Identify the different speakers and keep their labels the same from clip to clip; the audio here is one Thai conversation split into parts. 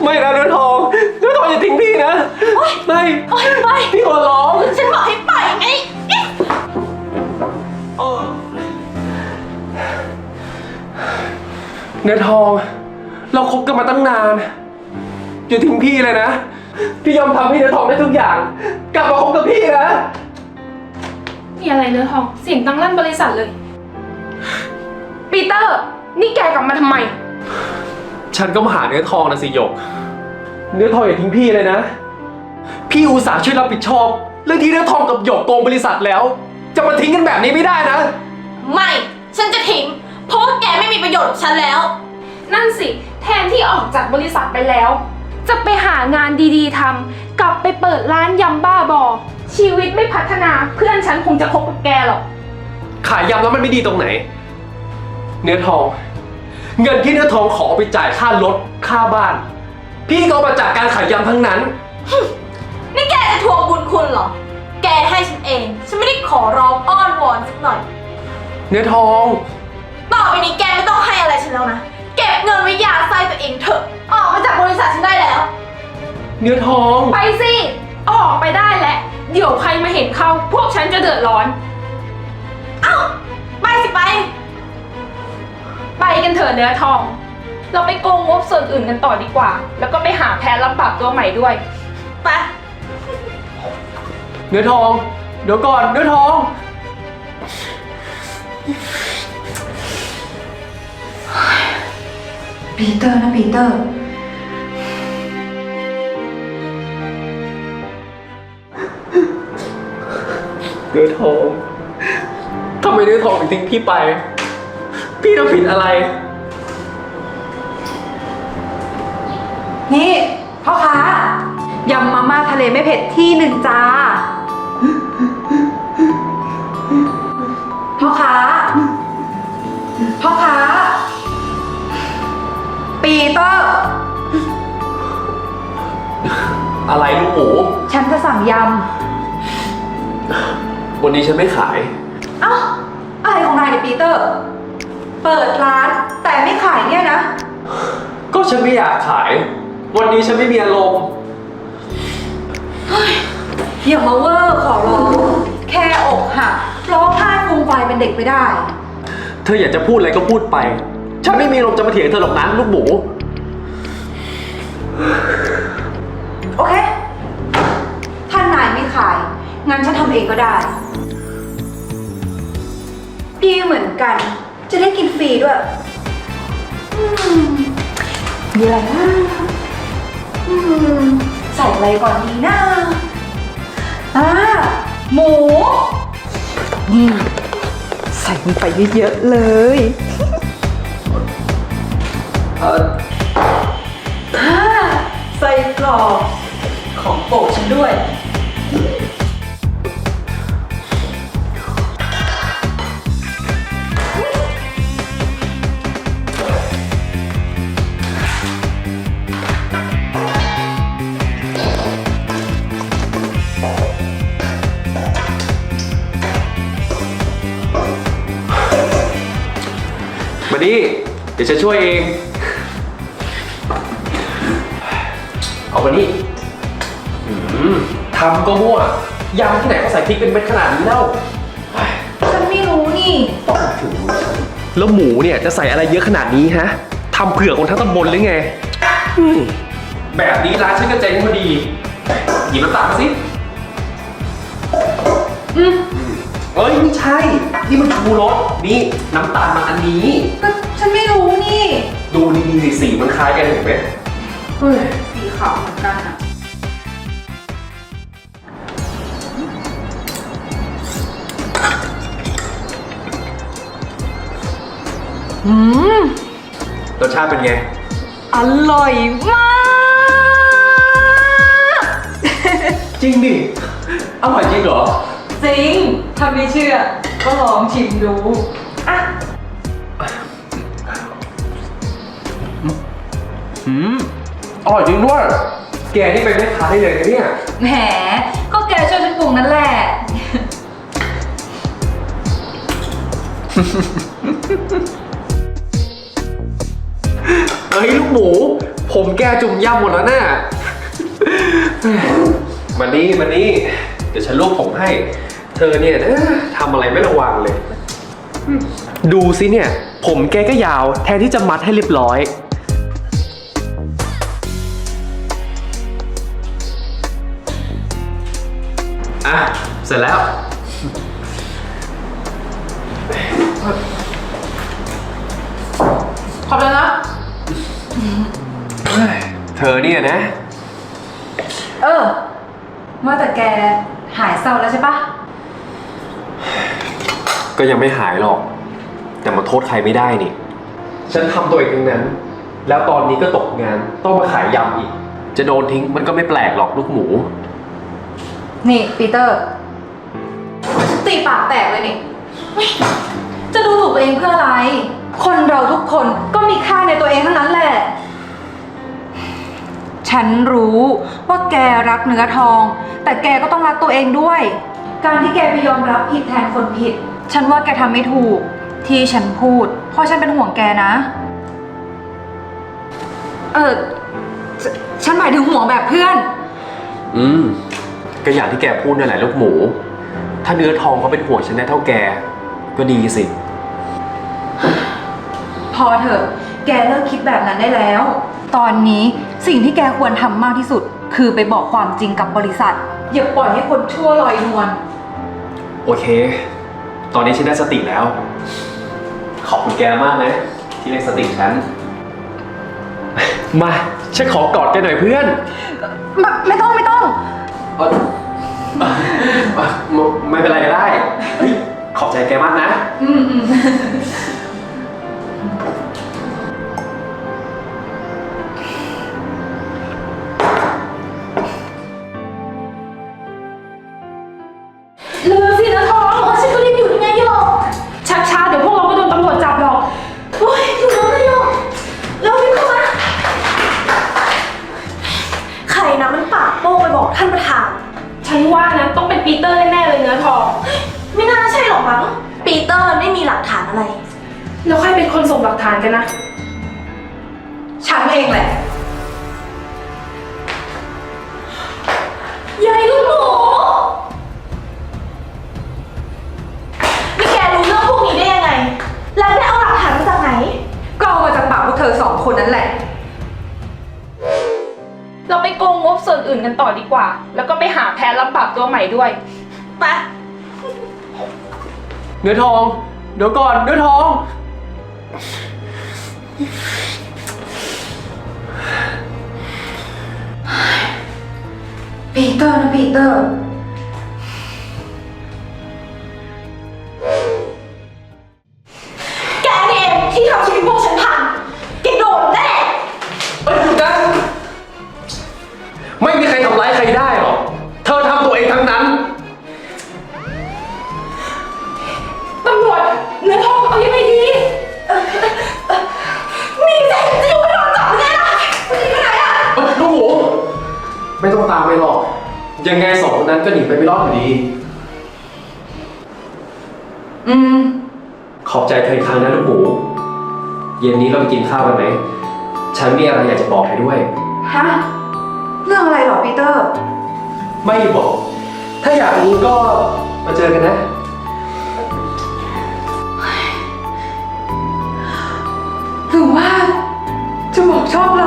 Speaker 1: ไม่นะเนื้อทองอย่าทิ้งพี่นะไม่
Speaker 2: ไป
Speaker 1: พี่ขอร้อง
Speaker 2: ฉันบอกให้ไปไง
Speaker 1: เนื้อทองเราคบกันมาตั้งนานอย่าทิ้งพี่เลยนะพี่ยอมทำให้เนื้อทองได้ทุกอย่างกลับมาคบกับพี่นะ
Speaker 3: มีอะไรเนื้อทองเสียงดังลั่นบริษัทเลยปีเตอร์นี่แกกลับมาทำไม
Speaker 1: ฉันก็มาหาเนื้อทองนะสิหยกเนื้อทองอย่าทิ้งพี่เลยนะพี่อุตส่าห์ช่วยรับผิดชอบเรื่องที่เนื้อทองกับหยกโกงบริษัทแล้วจะมาทิ้งกันแบบนี้ไม่ได้นะ
Speaker 2: ไม่ฉันจะทิ้งเพราะว่าแกไม่มีประโยชน์กับฉันแล้ว
Speaker 3: นั่นสิแทนที่ออกจากบริษัทไปแล้วจะไปหางานดีๆทำกลับไปเปิดร้านยำบ้าบอชีวิตไม่พัฒนาเพื่อนฉันคงจะคบกับแกหรอก
Speaker 1: ขายยำแล้วมันไม่ดีตรงไหนเนื้อทองเงินที่เนื้อทองขอไปจ่ายค่ารถค่าบ้านพี่ก็เอามาจากการขายยำทั้งนั้น
Speaker 2: นี่แกจะทวงบุญคุณเหรอแกให้ฉันเองฉันไม่ได้ขอร้องอ้อนวอนสักหน่อย
Speaker 1: เนื้อทอง
Speaker 2: ต่อไปนี้แกไม่ต้องให้อะไรฉันแล้วนะเก็บเงินไว้ยาไส้ตัวเองเถอะออกมาจากบริษัทฉันได้แล้ว
Speaker 1: เนื้อทอง
Speaker 3: ไปสิออกไปได้แล้วเดี๋ยวใครมาเห็นเข้าพวกฉันจะเดือดร้อน
Speaker 2: เอ้าไปสิ
Speaker 3: ไปกันเถอะเนื้อทองเราไปโกงงบส่วนอื่นกันต่อดีกว่าแล้วก็ไปหาแพทย์รับปรับตัวใหม่ด้วย
Speaker 2: ไป
Speaker 1: เนื้อทองเดี๋ยวก่อนเนื้อทอง
Speaker 2: ปีเตอร์นะปีเตอร์
Speaker 1: เนื้อทองทำไมเนื้อทองถึงทิ้งพี่ไปพี่ทำผิดอะไร
Speaker 2: นี่พ่อค้ายำมาม่าทะเลไม่เผ็ดที่หนึ่งจ้าพ่อค้าปีเตอร์
Speaker 1: อะไรลูกหมู
Speaker 2: ฉันจะสั่งย
Speaker 1: ำวันนี้ฉันไม่ขาย
Speaker 2: เอ้าอะไรของนายเนี่ยปีเตอร์เปิดร้านแต่ไม่ขายเนี่ยนะ
Speaker 1: ก็ฉันไม่อยากขายวันนี้ฉันไม่มีอารมณ์
Speaker 2: อย่ามาเวอร์ขอร้องแค่อกหักร้องไห้ฟูมไฟเป็นเด็กไม่ได้
Speaker 1: เธออยากจะพูดอะไรก็พูดไปฉันไม่มีอารมณ์จะมาเถียงเธอหรอกนะลูกหมู
Speaker 2: โอเคถ้านายไม่ขายงั้นฉันทำเองก็ได้ดีเหมือนกันจะได้กินฟรีด้วยมีอะไรนะใส่อะไรก่อนดีนะหมูนี่ใส่มันไปเยอะๆเลยใส่กรอบของโปรดฉันด้วย
Speaker 1: มาดิเดี๋ยวฉันช่วยเองเอามานี่ทำก็มั่วยำที่ไหนก็ใส่พริกเป็นเม็ดขนาดนี้แล้ว
Speaker 2: ฉันไม่รู้นี่
Speaker 1: ต้องถึงแล้วหมูเนี่ยจะใส่อะไรเยอะขนาดนี้ฮะทำเผื่อคนทั้งตำบลหรือไงแบบนี้ร้านฉันก็เจ๊งพอดีหยิบน้ำตาลมาสิเอ้ยไม่ใช่นี่มันชูรสนี่น้ำตาลมันอันนี้
Speaker 2: ก็ฉันไม่รู้นี่
Speaker 1: ดูดีๆสีมันคล้ายกันเห็นไหม
Speaker 2: สีขาวเหมือนกันอะ
Speaker 1: รสชาติเป็นไง
Speaker 2: อร่อยมาก
Speaker 1: จริงดิอร่อยจริงเหรอ
Speaker 2: จริงถ้าไม่เชื่อก็ลองชิมดูอ่ะ
Speaker 1: อร่อยจริงด้วยแกนี่เป็นแม่ค้าได้เลยนะเนี่ย
Speaker 2: แหมก็แกช่วยฉันปรุงนั่นแหละ
Speaker 1: เฮ้ยลูกหมูผมแกจุ่มย่ำหมดแล้วน่ะ มานี่มานี่ เดี๋ยวฉันรวบผมให้ เธอเนี่ยนะทำอะไรไม่ระวังเลย ดูสิเนี่ย ผมแกก็ยาวแทนที่จะมัดให้เรียบร้อย อ่ะ เสร็จแล้ว
Speaker 2: ขอบคุณนะ
Speaker 1: เธอเนี่ยนะ
Speaker 4: ว่าแต่แกหายเศร้าแล้วใช่ปะ
Speaker 1: ก็ยังไม่หายหรอก แต่มาโทษใครไม่ได้นี่ ฉันทำตัวเองทั้งนั้น แล้วตอนนี้ก็ตกงาน ต้องมาขายยำอีก จะโดนทิ้งมันก็ไม่แปลกหรอกลูกหมู
Speaker 4: นี่ปีเตอร์
Speaker 2: ตีปากแตกเลยนี่
Speaker 4: จะดูถูกตัวเองเพื่ออะไร คนเราทุกคนก็มีค่าในตัวเองทั้งนั้นแหละ ฉันรู้ว่าแกรักเนื้อทอง แต่แกก็ต้องรักตัวเองด้วย การที่แกไปยอมรับผิดแทนคนผิด ฉันว่าแกทำไม่ถูก ที่ฉันพูด เพราะฉันเป็นห่วงแกนะ ฉันหมายถึงห่วงแบบเพื่อน
Speaker 1: ก็อย่างที่แกพูดนั่นแหละลูกหมู ถ้าเนื้อทองเขาเป็นห่วงฉันได้เท่าแก ก็ดีสิ
Speaker 4: พอเถอะ แกเลิกคิดแบบนั้นได้แล้ว ตอนนี้สิ่งที่แกควรทำมากที่สุด คือไปบอกความจริงกับบริษัท อย่าปล่อยให้คนชั่วลอยนวล
Speaker 1: โอเค ตอนนี้ฉันได้สติแล้ว ขอบคุณแกมากนะ ที่เรียกสติฉัน มา ฉันขอกอดแกหน่อยเพื่อน
Speaker 4: ไม่ต้อง
Speaker 1: ไม่เป็นไรก็ได้เฮ้ยขอบใจแกมากนะ
Speaker 3: เรือสินะทองฉันก็รีบอยู่ยังไงโยกชักช้าเดี๋ยวพวกเราก็โดนตำรวจจับหรอก
Speaker 2: โอ้ยอยู่แล้วนะโยกแล้วรีบเข้ามา ใครนะมันปากโป้งไปบอกท่านประธาน
Speaker 3: ฉันว่านะต้องเป็นปีเตอร์แน่ๆเลยเนื้อทอง
Speaker 2: ไม่น่าใช่หรอกมั้ง ปีเตอร์ไม่มีหลักฐานอะไร
Speaker 3: แล้วใครเป็นคนส่งหลักฐานกันนะ
Speaker 4: ฉันเองแหละ
Speaker 2: ยายลูกหมูนี่แกรู้เรื่องพวกนี้ได้ยังไง แล้วได้เอาหลักฐานมาจากไหน
Speaker 4: ก็เอามาจากปากพวกเธอสองคนนั่นแหละ
Speaker 3: เราไปโกงงบส่วนอื่นกันต่อดีกว่า แล้วก็ไปหาแพนรับปรับตัวใหม่ด้วย
Speaker 2: ไป
Speaker 1: เนื้อทอง เดี๋ยวก่อน เนื้อทอง
Speaker 4: ปีเตอร์นะปีเตอร์
Speaker 2: แกนี่เองที่ทำชีวิตพวกฉันพังแกโดนแน่
Speaker 1: เฮ้ยหยุดนะไม่มีใครทำร้ายใครได้หรอก เธอทำตัวเองทั้งนั้น
Speaker 3: ตำรวจเนื้อทองเอายังไงดี
Speaker 2: นี่แกจะอยู่ไม่โดนจับแน่นะจะหนีไปไหนอะ
Speaker 1: ลูกหมูไม่ต้องตามไปหรอก ยังไงสองคนนั้นก็หนีไปไม่รอดอยู่ดี ขอบใจเธออีกครั้งนะลูกหมู เย็นนี้เราไปกินข้าวกันไหม ฉันมีอะไรอยากจะบอกให้ด้วย
Speaker 4: ฮะ เรื่องอะไรหรอปีเตอร์
Speaker 1: ไม่บอก ถ้าอยากรู้ก็มาเจอกันนะ
Speaker 4: หรือว่าจะบอกชอบเรา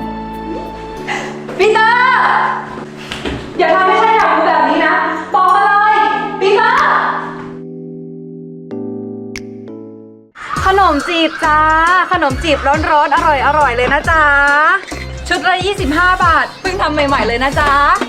Speaker 4: ปีเตอร์ อย่าทำให้ฉันอยากรู้แบบนี้นะ บอกมาเลย ปีเตอร์ ขนมจีบจ้า ขนมจีบร้อนๆ อร่อยๆ เลยนะจ๊ะ ชุดละ25 บาท เพิ่งทำใหม่ๆ เลยนะจ๊ะ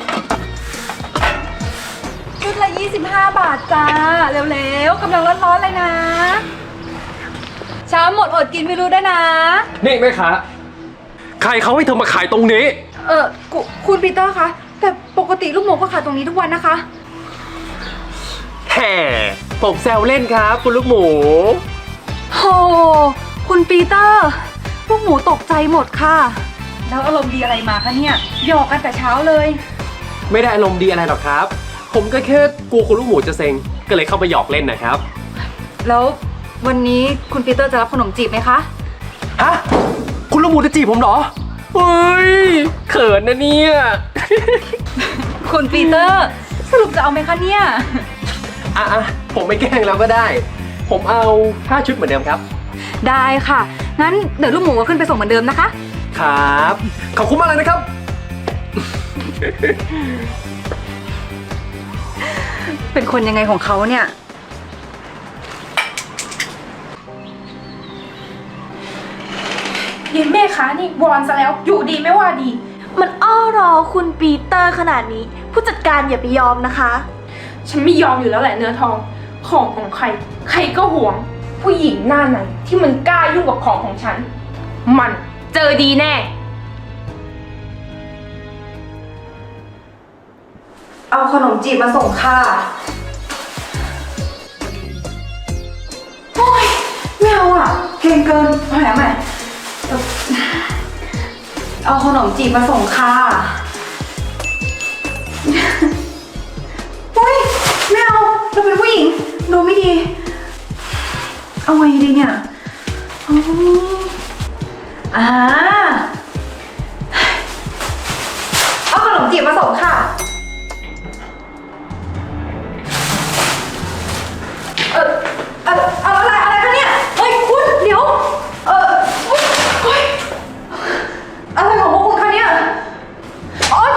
Speaker 4: ชุดละ25 บาทจ้า เร็วๆ กำลังร้อนๆ เลยนะ เช้าหมดอดกินไม่รู้ด้วยนะ
Speaker 1: นี่แม่ค้าใครเขาให้เธอมาขายตรงนี้
Speaker 4: คุณปีเตอร์คะ แต่ปกติลูกหมูก็ขายตรงนี้ทุกวันนะคะ
Speaker 1: แห่ผมแซวเล่นครับ คุณลูกหมู
Speaker 4: โห คุณปีเตอร์ ลูกหมูตกใจหมดค่ะ แล้วอารมณ์ดีอะไรมาคะเนี่ย หยอกกันแต่เช้าเลย
Speaker 1: ไม่ได้อารมณ์ดีอะไรหรอกครับ ผมก็แค่กลัวคุณลูกหมูจะเซ็ง ก็เลยเข้าไปหยอกเล่นนะครับ
Speaker 4: แล้ววันนี้คุณปีเตอร์จะรับขนมจีบไหมคะ
Speaker 1: ฮะ คุณลูกหมูจะจีบผมเหรอเฮ้ยเขินนะเนี่ย
Speaker 4: คุณปีเตอร์ สรุปจะเอาไหมคะเนี่ย
Speaker 1: อ่ะผมไม่แกล้งแล้วก็ได้ ผมเอา5 ชุดเหมือนเดิมครับ
Speaker 4: ได้ค่ะ งั้นเดี๋ยวลูกหมูก็ขึ้นไปส่งเหมือนเดิมนะคะ
Speaker 1: ครับ ขอบคุณมากเลยนะครับ
Speaker 4: เป็นคนยังไงของเขาเนี่ย
Speaker 3: เย็นแม่คะนี่วอนซะแล้วอยู่ดีไม่ว่าดี
Speaker 2: มันอ้อรอคุณปีเตอร์ขนาดนี้ ผู้จัดการอย่าไปยอมนะคะ
Speaker 3: ฉันไม่ยอมอยู่แล้วแหละเนื้อทอง ของใคร ใครก็หวง ผู้หญิงหน้าไหนที่มันกล้ายุ่งกับของของฉัน มันเจอดีแน่
Speaker 4: เอาขนมจีบมาส่งค่ะ โอ้ยไม่เอาอ่ะ เก่งเกินเอาใหม่เอาขนมจีบมาส่งค่ะโอ้ยไม่เอาเราเป็นผู้หญิง ดูไม่ดี เอาไงดีเนี่ยเอาขนมจีบมาส่งค่ะ อะไรคะเนี่ย เฮ้ยคุณเดี๋ยว เฮ้ยอะไรของพวกคุณคะเนี่ยโอ๊ย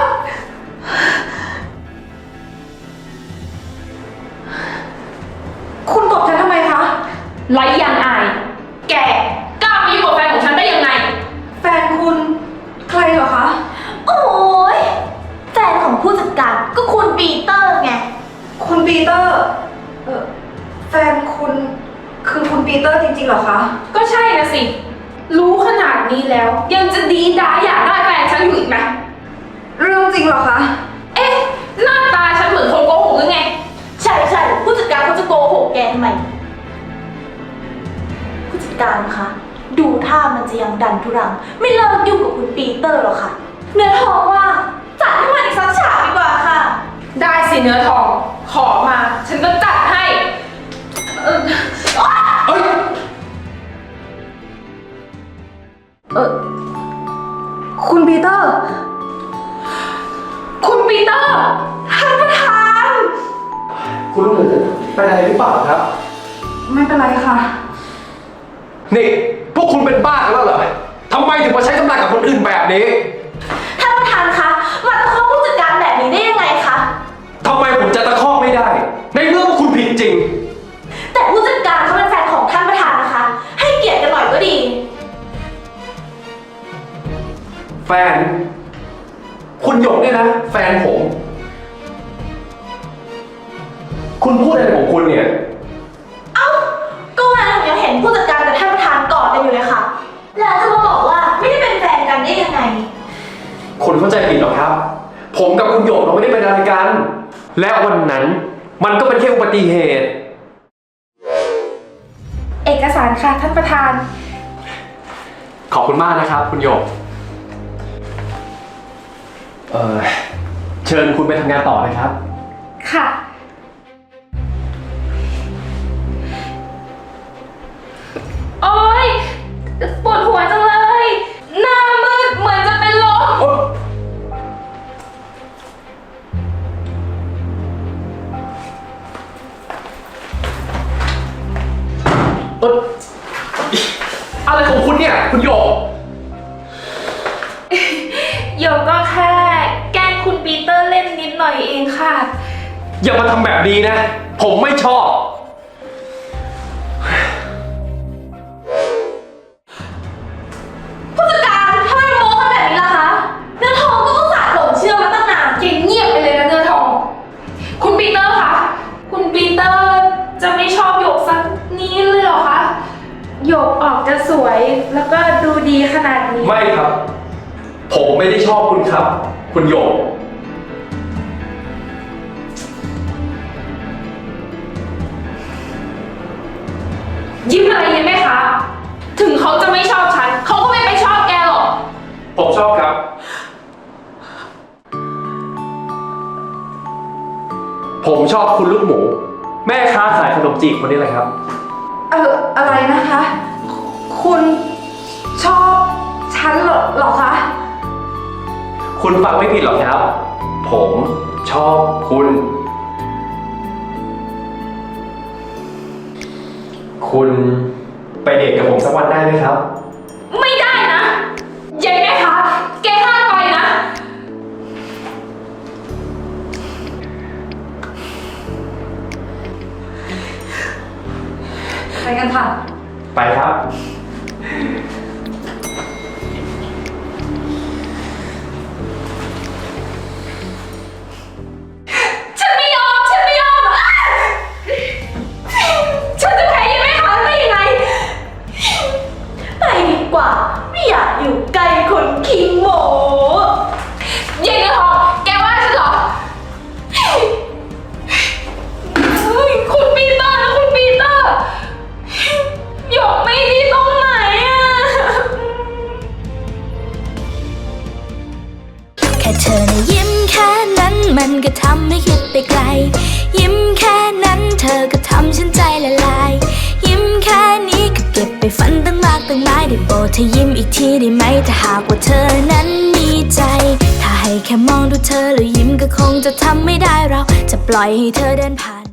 Speaker 4: คุณตบฉันทำไมคะ
Speaker 3: ไร้ยางอาย แกกล้ามายุ่งกับแฟนของฉันได้ยังไง
Speaker 4: แฟนคุณใครเหรอคะ
Speaker 2: โอ้ยแฟนของผู้จัดการก็คุณปีเตอร์ไง
Speaker 4: คุณปีเตอร์ แฟนคุณคือคุณปีเตอร์จริงๆเหรอคะ
Speaker 3: ก็ใช่นะสิ รู้ขนาดนี้แล้ว ยังจะดีด้าอยากได้แฟนฉันอยู่อีกไหม
Speaker 4: เรื่องจริงเหรอคะ
Speaker 3: เอ๊ะ หน้าตาฉันเหมือนคนโกหกหรือไง
Speaker 2: ใช่ผู้จัดการเขาจะโกหกแกทำไม ผู้จัดการคะ ดูท่ามันจะยังดันทุรัง ไม่เลิกยุ่งกับคุณปีเตอร์หรอกค่ะ เนื้อทองว่าจัดให้มันอีกสักฉากดีกว่าค่ะ
Speaker 3: ได้สิเนื้อทอง ขอมา ฉันก็จัดให้
Speaker 1: เฮ้ย
Speaker 4: คุณปีเตอร์
Speaker 3: คุณปีเตอร์
Speaker 2: ท่านประธาน
Speaker 1: คุณลูกหมูเป็นอะไรหรือเปล่าครับ
Speaker 4: ไม่เป็นไรค่ะ
Speaker 1: นี่ พวกคุณเป็นบ้ากันแล้วเหรอทำไมถึงมาใช้กำลังกับคนอื่นแบบนี้
Speaker 2: ท่านประธานคะมาตะคอกผู้จัดการแบบนี้ได้ยังไงคะ
Speaker 1: ทำไมผมจะตะคอกไม่ได้ ในเมื่อว่าคุณผิดจริง
Speaker 2: แต่ผู้จัดการเขาเป็นแฟนของท่านประธานนะคะ ให้เกียรติกันหน่อยก็ดี
Speaker 1: แฟน คุณหยกเนี่ยนะ แฟนผม คุณพูดอะไรของคุณเนี่ย
Speaker 2: เอ้า ก็วันนั้นยังเห็นผู้จัดการกับท่านประธานกอดกันอยู่เลยค่ะ แล้วจะมาบอกว่าไม่ได้เป็นแฟนกันได้ยังไง
Speaker 1: คุณเข้าใจผิดหรอครับ ผมกับคุณหยกเราไม่ได้เป็นอะไรกัน และวันนั้นมันก็เป็นแค่อุบัติเหตุ
Speaker 3: เอกสารค่ะท่านประธาน
Speaker 1: ขอบคุณมากนะครับ คุณหยก เชิญคุณไปทำงานต่อนะครับ
Speaker 3: ค่ะ โอ๊ย ปวดหัวจังเลย หน้ามืดเหมือนจะเป็นลม
Speaker 1: อะไรของคุณเนี่ย คุณหยก
Speaker 3: โยกก็แค่แกล้งคุณปีเตอร์เล่นนิดหน่อยเองค่ะ
Speaker 1: อย่ามาทำแบบนี้นะ ผมไม่ชอบ
Speaker 2: ผู้จัดการทำไมโม้กันแบบนี้ล่ะคะ เนื้อทองก็ต้องสาหลงเชื่อมาตั้งนาน
Speaker 3: เงียบไปเลยนะเนื้อทอง คุณปีเตอร์คะ คุณปีเตอร์จะไม่ชอบโยกสักนี้เลยเหรอคะโยกออกจะสวยแล้วก็ดูดีขนาดนี้
Speaker 1: ไม่ครับ ผมไม่ได้ชอบคุณครับ คุณหยก
Speaker 3: ยิ้มอะไรยิ้มไหมคะ ถึงเขาจะไม่ชอบฉัน เขาก็ไม่ไปชอบแกหรอก
Speaker 1: ผมชอบครับ ผมชอบคุณลูกหมู แม่ค้าขายขนมจีบคนนี้เลยครับ
Speaker 4: อะไรนะคะ คุณชอบฉันเหรอคะ
Speaker 1: คุณฟังไม่ผิดหรอกครับ ผมชอบคุณ คุณไปเดทกับผมสักวันได้ไหมครับ
Speaker 3: ไม่ได้นะยายแม่คะแกห้ามไปนะ
Speaker 4: ไปกันค่ะ
Speaker 1: ไปครับ
Speaker 3: ฉันไม่ยอม ฉันไม่ยอมอ้าฉันจะแพ้ยังไงคะได้ยังไง
Speaker 2: ไปดีกว่า ไม่อยากอยู่ใกล้คนขี้โม
Speaker 3: เย็นเลยเหรอแกว่าฉันเหรอเฮ้ยคุณปีเตอร์นะคุณปีเตอร์หยกไม่ดีตรงไหนอะ
Speaker 5: แค่เธอนะยิ้มแค่นั้นมันก็ทำให้คิดไปไกล ยิ้มแค่นั้นเธอก็ทำฉันใจละลาย ยิ้มแค่นี้ก็เก็บไปฝันตั้งมากตั้งหลายได้โปรดเธอยิ้มอีกทีได้ไหมถ้าหากว่าเธอนั้นมีใจ ถ้าให้แค่มองดูเธอแล้วยิ้มก็คงจะทำไม่ได้เราจะปล่อยให้เธอเดินผ่าน